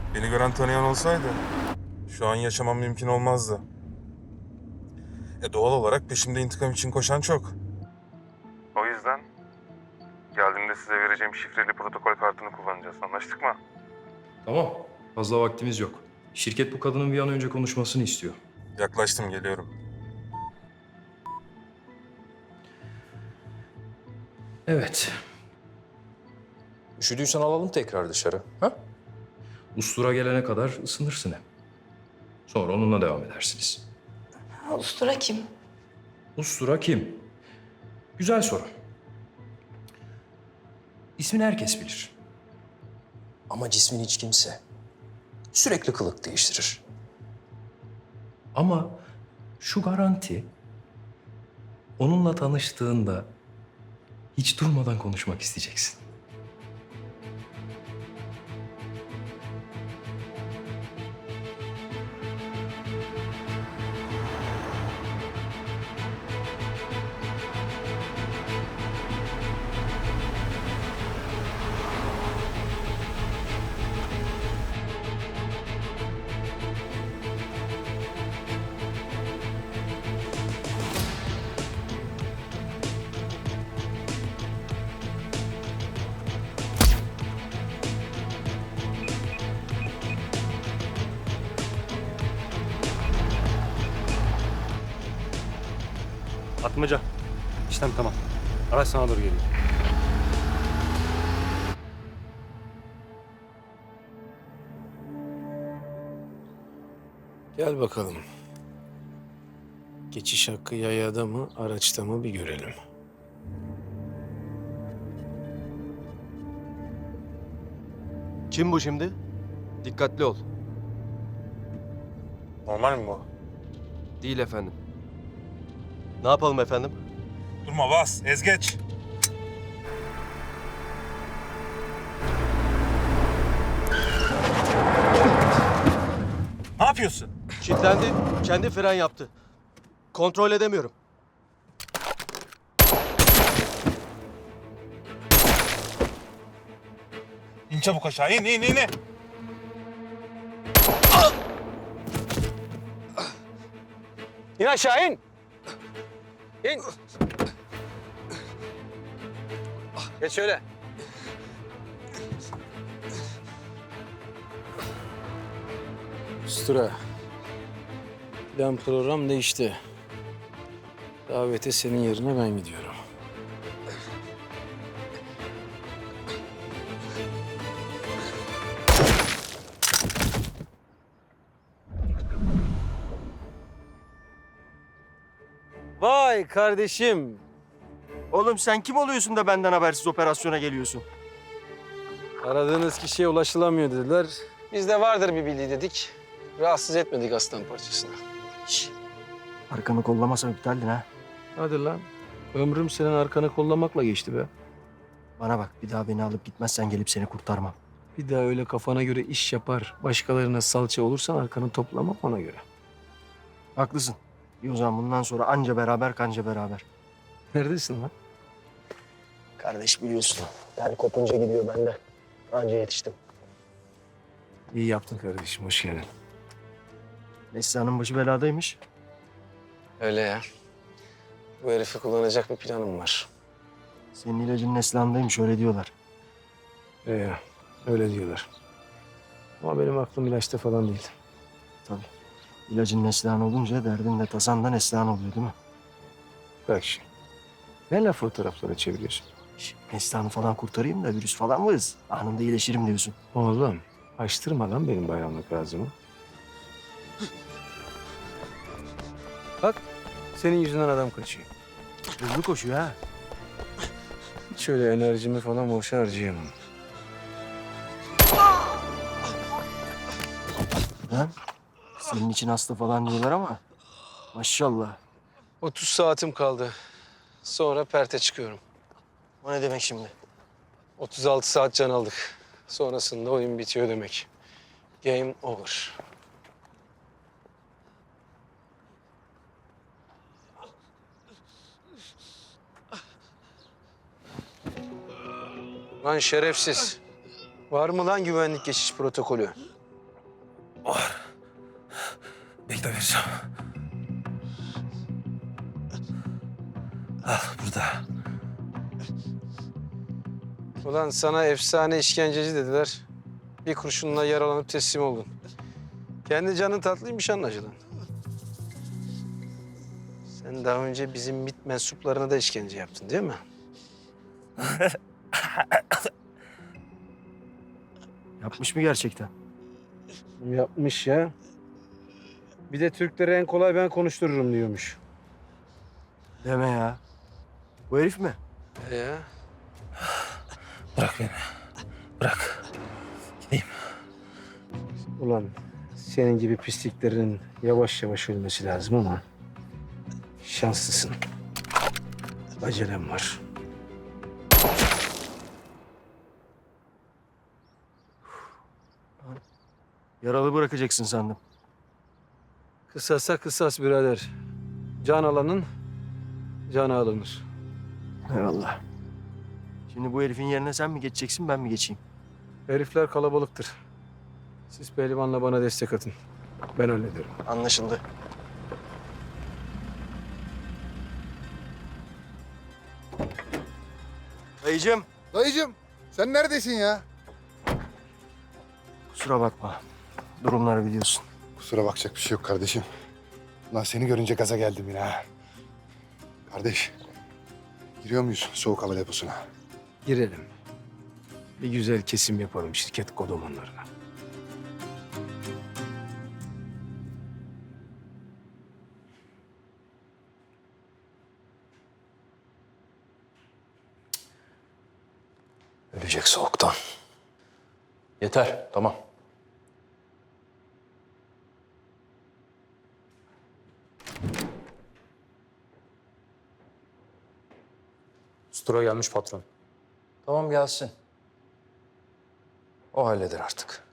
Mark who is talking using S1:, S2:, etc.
S1: Beni gören tanıyan olsaydı şu an yaşamam mümkün olmazdı. Doğal olarak peşimde intikam için koşan çok. O yüzden geldiğimde size vereceğim şifreli protokol kartını kullanacağız. Anlaştık mı?
S2: Tamam. Fazla vaktimiz yok. Şirket bu kadının bir an önce konuşmasını istiyor.
S1: Yaklaştım, geliyorum.
S2: Evet. Üşüdüysen alalım tekrar dışarı. Ha? Ustura gelene kadar ısınırsın hem. Sonra onunla devam edersiniz.
S3: Ustura kim?
S2: Ustura kim? Güzel soru. İsmini herkes bilir. Ama cismini hiç kimse. Sürekli kılık değiştirir. Ama şu garanti, onunla tanıştığında hiç durmadan konuşmak isteyeceksin.
S4: Atmaca. İşlem tamam. Araç sana doğru geliyor.
S5: Gel bakalım. Geçiş hakkı yayada mı, araçta mı bir görelim.
S6: Kim bu şimdi? Dikkatli ol.
S1: Normal mi bu?
S6: Değil efendim. Ne yapalım efendim?
S1: Durma, bas, ezgeç. Ne yapıyorsun?
S6: Kilitlendi. Kendi fren yaptı. Kontrol edemiyorum.
S1: İn çabuk aşağı, in.
S5: İn aşağı in! İn! Geç şöyle. Ustura. Plan program değişti. Davete senin yerine ben gidiyorum.
S6: Vay kardeşim. Oğlum sen kim oluyorsun da benden habersiz operasyona geliyorsun?
S5: Aradığınız kişiye ulaşılamıyor dediler. Biz de vardır bir bildiği dedik. Rahatsız etmedik aslan parçasını.
S6: Arkanı kollamasam iptaldin ha.
S5: Hadi lan. Ömrüm senin arkanı kollamakla geçti be.
S6: Bana bak, bir daha beni alıp gitmezsen gelip seni kurtarmam.
S5: Bir daha öyle kafana göre iş yapar, başkalarına salça olursan arkanı toplamam ona göre.
S6: Haklısın. İyi o zaman bundan sonra anca beraber kanca beraber.
S5: Neredesin lan?
S6: Kardeş biliyorsun. Yani kopunca gidiyor bende. Anca yetiştim.
S5: İyi yaptın kardeşim, hoş geldin.
S6: Neslihan'ın başı beladaymış.
S5: Öyle ya. Bu herifi kullanacak bir planım var.
S6: Senin ilacın Neslihan'daymış, öyle diyorlar.
S5: Öyle diyorlar. Ama benim aklım ilaçta falan değil.
S6: Tabii. İlacın Neslihan olunca derdin de tasan da Neslihan oluyor değil mi?
S5: Bak şimdi. Ne laf o taraflara çeviriyorsun?
S6: Neslihan'ı falan kurtarayım da virüs falan varız. Anında iyileşirim diyorsun.
S5: Oğlum, açtırma lan benim bayramlık ağzımı. Bak, senin yüzünden adam kaçıyor.
S6: Hızlı koşuyor ha.
S5: Hiç öyle enerjimi falan boşa harcayamam.
S6: Lan senin için hasta falan diyorlar ama maşallah.
S5: 30 saatim kaldı. Sonra perte çıkıyorum.
S6: O ne demek şimdi?
S5: 36 saat can aldık. Sonrasında oyun bitiyor demek. Game over. Lan şerefsiz. Var mı lan güvenlik geçiş protokolü?
S7: Bekle vereceğim. Al burada.
S5: Ulan sana efsane işkenceci dediler. Bir kurşunla yaralanıp teslim oldun. Kendi canın tatlıymış anlaşılan. Sen daha önce bizim MİT mensuplarına da işkence yaptın değil mi?
S6: Yapmış mı gerçekten?
S5: Yapmış ya. Bir de Türkleri en kolay ben konuştururum diyormuş.
S6: Deme ya. Bu herif mi?
S5: Ya.
S7: Bırak beni. Bırak. Gideyim.
S5: Ulan senin gibi pisliklerin yavaş yavaş ölmesi lazım ama şanslısın. Acelem var.
S6: Yaralı bırakacaksın sandım.
S5: Kısasa kısas birader. Can alanın canı alınır.
S6: Eyvallah. Şimdi bu herifin yerine sen mi geçeceksin, ben mi geçeyim?
S5: Herifler kalabalıktır. Siz pehlivanla bana destek atın. Ben hallederim.
S6: Anlaşıldı. Dayıcığım,
S8: Dayıcım sen neredesin ya?
S6: kusura bakma. Durumları biliyorsun.
S8: Kusura bakacak bir şey yok kardeşim. Lan seni görünce gaza geldim yine ha. Kardeş, giriyor muyuz soğuk hava deposuna?
S5: Girelim. Bir güzel kesim yapalım şirket kodomanlarına.
S2: Ölecek soğuktan. Yeter, tamam.
S9: Ustura gelmiş patron.
S2: Tamam gelsin. O halleder artık.